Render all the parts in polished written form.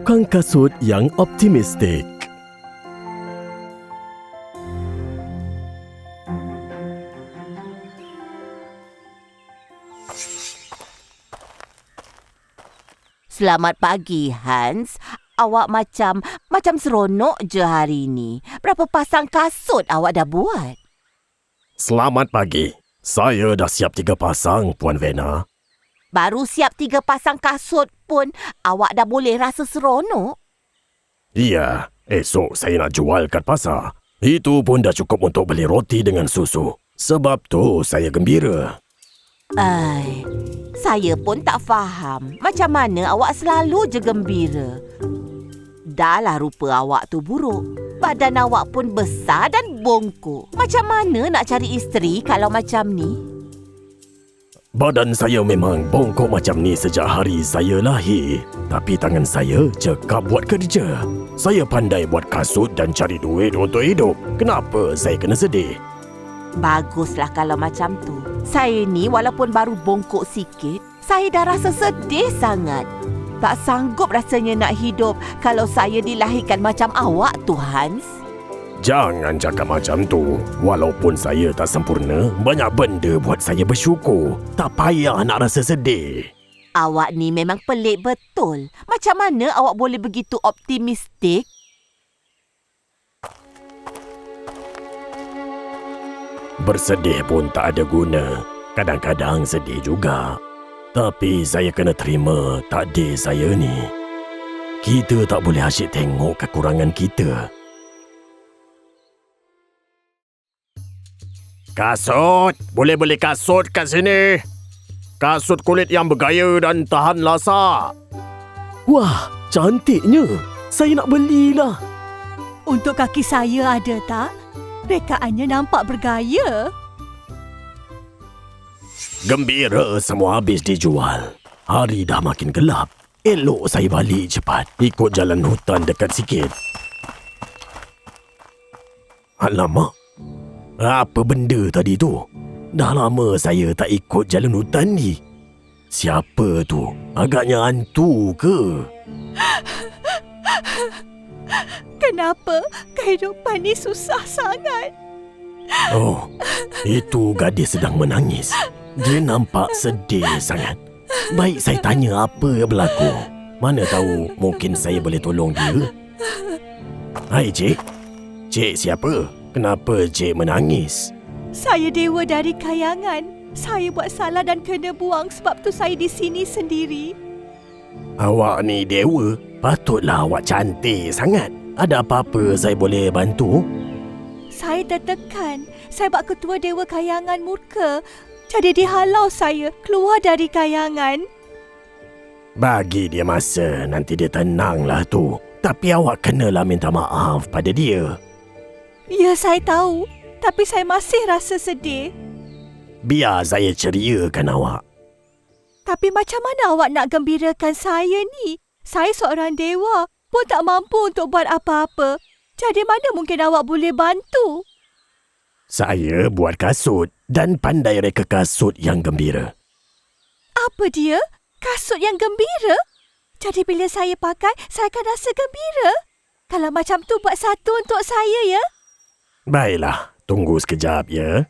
Tukang kasut yang optimistik. Selamat pagi, Hans. Awak macam seronok je hari ni. Berapa pasang kasut awak dah buat? Selamat pagi. Saya dah siap 3 pasang, Puan Vena. Baru siap 3 pasang kasut pun awak dah boleh rasa seronok? Ya, esok saya nak jual kat pasar. Itu pun dah cukup untuk beli roti dengan susu. Sebab tu saya gembira. Saya pun tak faham macam mana awak selalu je gembira. Dahlah rupa awak tu buruk. Badan awak pun besar dan bongkok. Macam mana nak cari isteri kalau macam ni? Badan saya memang bongkok macam ni sejak hari saya lahir. Tapi tangan saya cekap buat kerja. Saya pandai buat kasut dan cari duit untuk hidup. Kenapa saya kena sedih? Baguslah kalau macam tu. Saya ni walaupun baru bongkok sikit, saya dah rasa sedih sangat. Tak sanggup rasanya nak hidup kalau saya dilahirkan macam awak tu, Hans. Jangan cakap macam tu. Walaupun saya tak sempurna, banyak benda buat saya bersyukur. Tak payah nak rasa sedih. Awak ni memang pelik betul. Macam mana awak boleh begitu optimistik? Bersedih pun tak ada guna. Kadang-kadang sedih juga. Tapi saya kena terima takdir saya ni. Kita tak boleh asyik tengok kekurangan kita. Kasut! Boleh beli kasut kat sini. Kasut kulit yang bergaya dan tahan lasak. Wah, cantiknya. Saya nak belilah. Untuk kaki saya ada tak? Rekaannya nampak bergaya. Gembira semua habis dijual. Hari dah makin gelap. Elok saya balik cepat. Ikut jalan hutan dekat sikit. Alamak. Apa benda tadi tu? Dah lama saya tak ikut jalan hutan ni. Siapa tu? Agaknya hantu ke? Kenapa kehidupan ni susah sangat? Oh, itu gadis sedang menangis. Dia nampak sedih sangat. Baik saya tanya apa yang berlaku. Mana tahu mungkin saya boleh tolong dia. Hai cik. Cik siapa? Kenapa cik menangis? Saya dewa dari kayangan. Saya buat salah dan kena buang sebab tu saya di sini sendiri. Awak ni dewa? Patutlah awak cantik sangat. Ada apa-apa saya boleh bantu? Saya tertekan. Saya buat ketua dewa kayangan murka. Jadi dihalau saya keluar dari kayangan. Bagi dia masa, nanti dia tenanglah tu. Tapi awak kenalah minta maaf pada dia. Ya, saya tahu. Tapi saya masih rasa sedih. Biar saya ceriakan awak. Tapi macam mana awak nak gembirakan saya ni? Saya seorang dewa, pun tak mampu untuk buat apa-apa. Jadi mana mungkin awak boleh bantu? Saya buat kasut dan pandai reka kasut yang gembira. Apa dia? Kasut yang gembira? Jadi bila saya pakai, saya akan rasa gembira? Kalau macam tu, buat satu untuk saya, ya? Baiklah, tunggu sekejap, ya.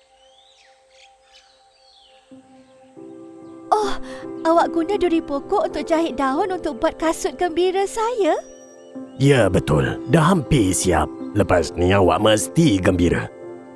Oh, awak guna duri pokok untuk jahit daun untuk buat kasut gembira saya? Ya, betul. Dah hampir siap. Lepas ni awak mesti gembira.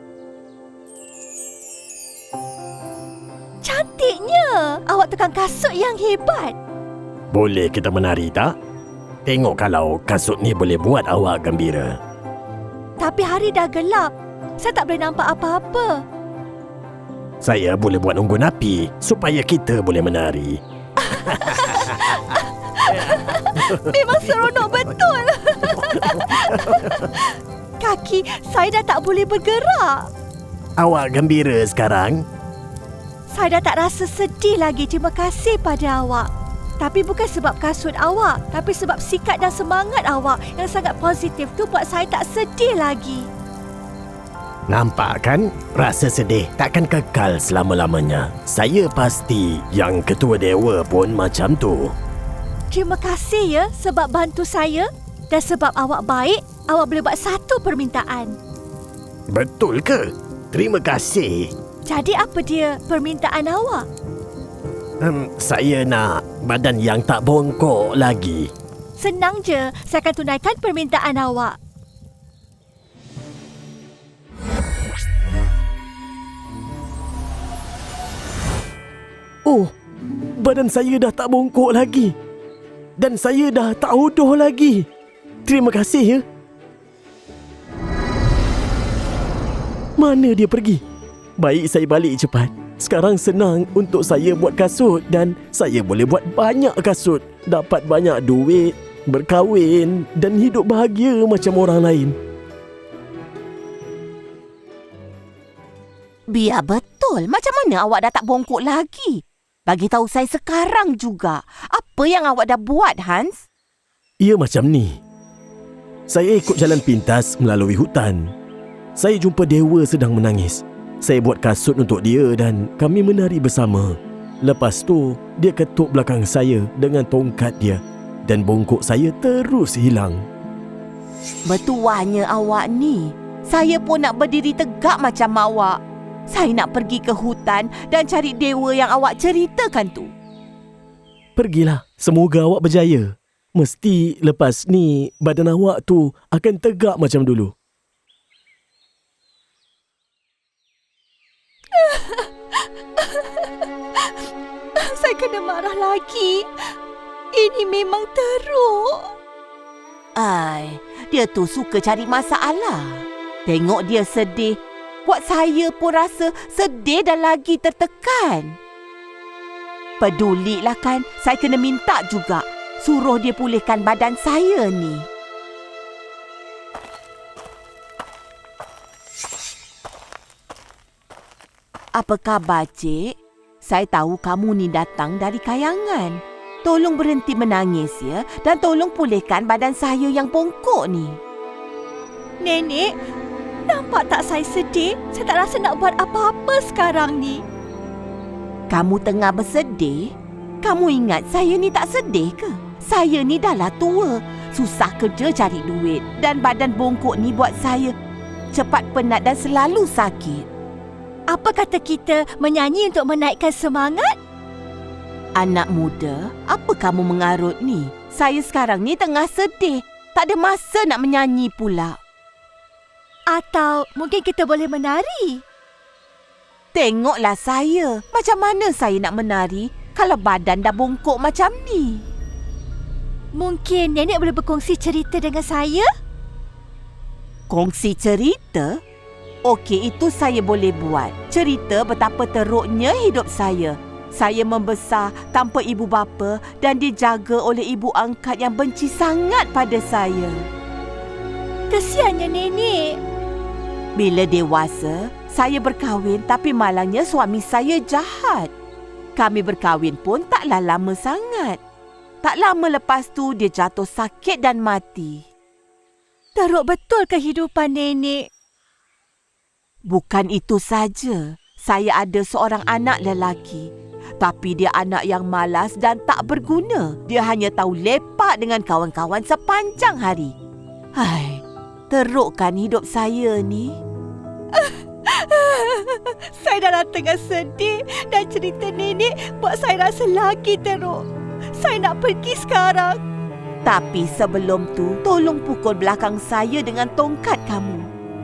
Cantiknya! Awak tukang kasut yang hebat. Boleh kita menari tak? Tengok kalau kasut ni boleh buat awak gembira. Tapi hari dah gelap. Saya tak boleh nampak apa-apa. Saya boleh buat unggun api supaya kita boleh menari. Memang seronok betul. Kaki saya dah tak boleh bergerak. Awak gembira sekarang? Saya dah tak rasa sedih lagi. Terima kasih pada awak. Tapi bukan sebab kasut awak, tapi sebab sikap dan semangat awak yang sangat positif tu buat saya tak sedih lagi. Nampak kan? Rasa sedih takkan kekal selama-lamanya. Saya pasti yang ketua dewa pun macam tu. Terima kasih ya sebab bantu saya. Dan sebab awak baik, awak boleh buat satu permintaan. Betul ke? Terima kasih. Jadi apa dia permintaan awak? Saya nak badan yang tak bongkok lagi. Senang je, saya akan tunaikan permintaan awak. Oh, badan saya dah tak bongkok lagi. Dan saya dah tak hodoh lagi. Terima kasih ya. Mana dia pergi? Baik saya balik cepat. Sekarang senang untuk saya buat kasut dan saya boleh buat banyak kasut. Dapat banyak duit, berkahwin dan hidup bahagia macam orang lain. Biar betul. Macam mana awak dah tak bongkok lagi? Bagi tahu saya sekarang juga. Apa yang awak dah buat, Hans? Ia macam ni. Saya ikut jalan pintas melalui hutan. Saya jumpa dewa sedang menangis. Saya buat kasut untuk dia dan kami menari bersama. Lepas tu, dia ketuk belakang saya dengan tongkat dia dan bongkok saya terus hilang. Bertuahnya awak ni. Saya pun nak berdiri tegak macam awak. Saya nak pergi ke hutan dan cari dewa yang awak ceritakan tu. Pergilah, semoga awak berjaya. Mesti lepas ni badan awak tu akan tegak macam dulu. Saya kena marah lagi. Ini memang teruk. Ai, dia tu suka cari masalah. Tengok dia sedih. Buat saya pun rasa sedih dan lagi tertekan. Pedulilah kan, saya kena minta juga. Suruh dia pulihkan badan saya ni. Apa khabar, Cik? Saya tahu kamu ni datang dari kayangan. Tolong berhenti menangis ya dan tolong pulihkan badan saya yang bongkok ni. Nenek, nampak tak saya sedih? Saya tak rasa nak buat apa-apa sekarang ni. Kamu tengah bersedih? Kamu ingat saya ni tak sedih ke? Saya ni dah lah tua. Susah kerja cari duit. Dan badan bongkok ni buat saya cepat penat dan selalu sakit. Apa kata kita menyanyi untuk menaikkan semangat? Anak muda, apa kamu mengarut ni? Saya sekarang ni tengah sedih. Tak ada masa nak menyanyi pula. Atau mungkin kita boleh menari? Tengoklah saya. Macam mana saya nak menari kalau badan dah bongkok macam ni? Mungkin nenek boleh berkongsi cerita dengan saya? Kongsi cerita? Okey, itu saya boleh buat. Cerita betapa teruknya hidup saya. Saya membesar tanpa ibu bapa dan dijaga oleh ibu angkat yang benci sangat pada saya. Kesiannya nenek. Bila dewasa, saya berkahwin tapi malangnya suami saya jahat. Kami berkahwin pun taklah lama sangat. Tak lama lepas tu dia jatuh sakit dan mati. Teruk betul kehidupan nenek. Bukan itu saja. Saya ada seorang anak lelaki. Tapi dia anak yang malas dan tak berguna. Dia hanya tahu lepak dengan kawan-kawan sepanjang hari. Hai, teruk kan hidup saya ni? Saya dah tengah sedih dan cerita nenek buat saya rasa lagi teruk. Saya nak pergi sekarang. Tapi sebelum tu, tolong pukul belakang saya dengan tongkat kamu.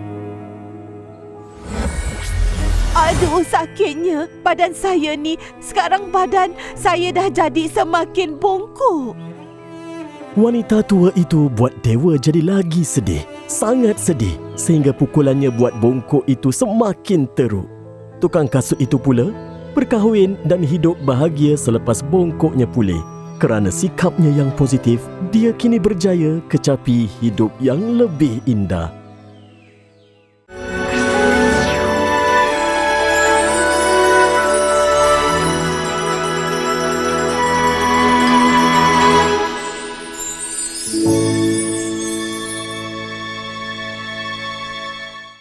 Aduh, sakitnya. Badan saya ni, sekarang badan saya dah jadi semakin bongkok. Wanita tua itu buat dewa jadi lagi sedih. Sangat sedih sehingga pukulannya buat bongkok itu semakin teruk. Tukang kasut itu pula berkahwin dan hidup bahagia selepas bongkoknya pulih. Kerana sikapnya yang positif, dia kini berjaya kecapi hidup yang lebih indah.